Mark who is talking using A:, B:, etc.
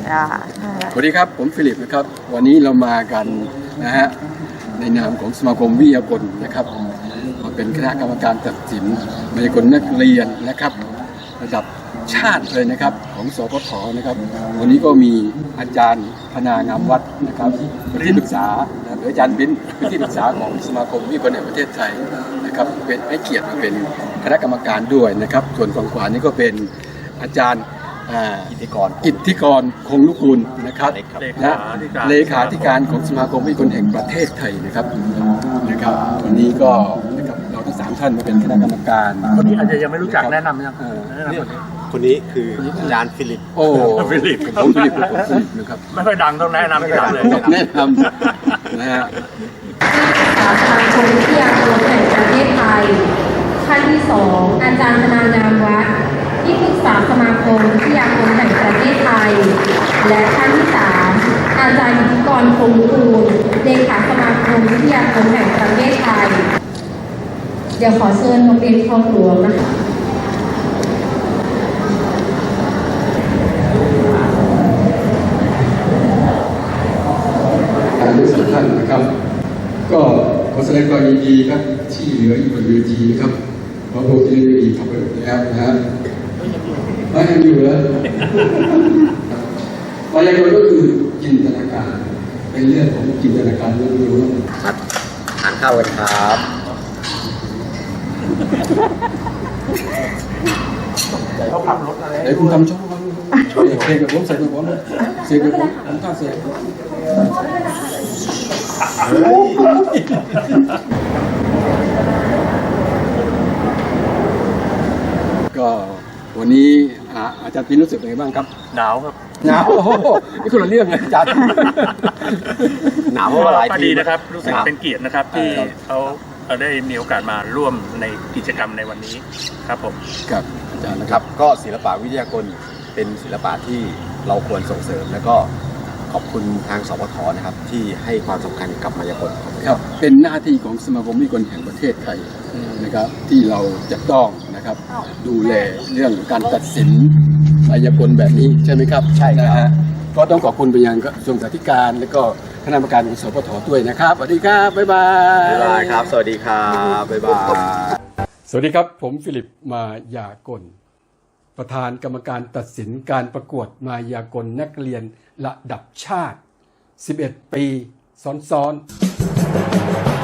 A: สวัสดีครับผมฟิลิปนะครับวันนี้เรามากันนะฮะในนามของสมาคมวิทยากลนะครับมาเป็นคณะกรรมการตัดสินมายากลนักเรียนนะครับระดับชาติเลยนะครับของสปทนะครับวันนี้ก็มีอาจารย์พนางามวัดนะครับเป็นที่ปรึกษาหรืออาจารย์บิ้นเป็นที่ปรึกษาของสมาคมวิทยากลแห่งประเทศไทยนะครับเป็นให้เกียรติมาเป็นคณะกรรมการด้วยนะครับส่วนฝั่งขวานี่ก็เป็นอาจารย์อิทธิกรคงลูกกุลนะครับและเลขาธิการของสมาคมวิทยากลแห่งประเทศไทยนะครับวันนี้ก็นะครับเราทั้ง3ท่านมาเป็นคณะกรรมการ
B: คนนี้อาจจะยังไม่รู้จักแนะนำยัง
C: คนนี้คืออาจารย์ฟิลิป
A: ฟิลิปนะครับ
B: ไม่ค่อยดังต้องแนะนำที่หลังเลย
A: แนะนำนะฮะ
D: สมาคมวิทยากรแห่งประเทศไทยท่านที่2อาจารย์พนางามวัดที่ปรึกษาสมาคมวิทยากรแห่งประเทศไทยและท่านที่3อาจารย์อิทธิกรคงคูลเลขาสมาคมวิทยากรแห่งประเทศไทยเดี๋ยวขอเชิญโรงเรียนคลองหลวงนะคะ
A: ทั้ง3ท่านนะครับก็ขอแสดงความยินดีครับที่เหลืออยู่บนเวทีนะครับเพราะพวกที่ได้ดีทำไปหมดแล้วนะฮะไม่ยังอยู่แล้วมายากลก็คือจินตนาการเป็นเรื่องของจินตนาการล้วนๆ
C: มาทานข้าวกันครับ
B: เขาขับรถอะไร
A: ไอ้คุณทำช่องวันเสกกับผมใส่กับผมเสกกับผมท่าเสกก็วันนี้อาจารย์พินรู้สึกยังไงบ้างครับ
B: หนาวครับ
A: หนาวโอ้โหนี่คนละเรื่องเลยอาจารย์
C: หนาวเพราะว่าหลาย
B: ปีนะครับรู้สึกเป็นเกียรตินะครับที่เขาได้มีโอกาสมาร่วมในกิจกรรมในวันนี้ครับผม
A: ครับอาจารย์
C: นะครับก็ศิลปะวิทยากลเป็นศิลปะที่เราควรส่งเสริมแล้วก็ขอบคุณทางสปท.นะครับที่ให้ความสำคัญกับมายากล
A: ครับเป็นหน้าที่ของสมาคมวิทยากลแห่งประเทศไทยนะครับที่เราจะต้องนะครับดูแลเรื่องการตัดสินมายากลแบบนี้ใช่ไหมครับ
C: ใช่นะฮะ
A: ก็ต้องขอบคุณไปยังกระทรวงศึกษาธิการและก็คณะกรรมการของสปท.ด้วยนะครับสวัสดีครับบ๊ายบาย
C: ครับสวัสดีครับบ๊ายบาย
A: สวัสดีครับผมฟิลิปมายากลประธานกรรมการตัดสินการประกวดมายากลนักเรียนระดับชาติ11 ปีซ้อนๆ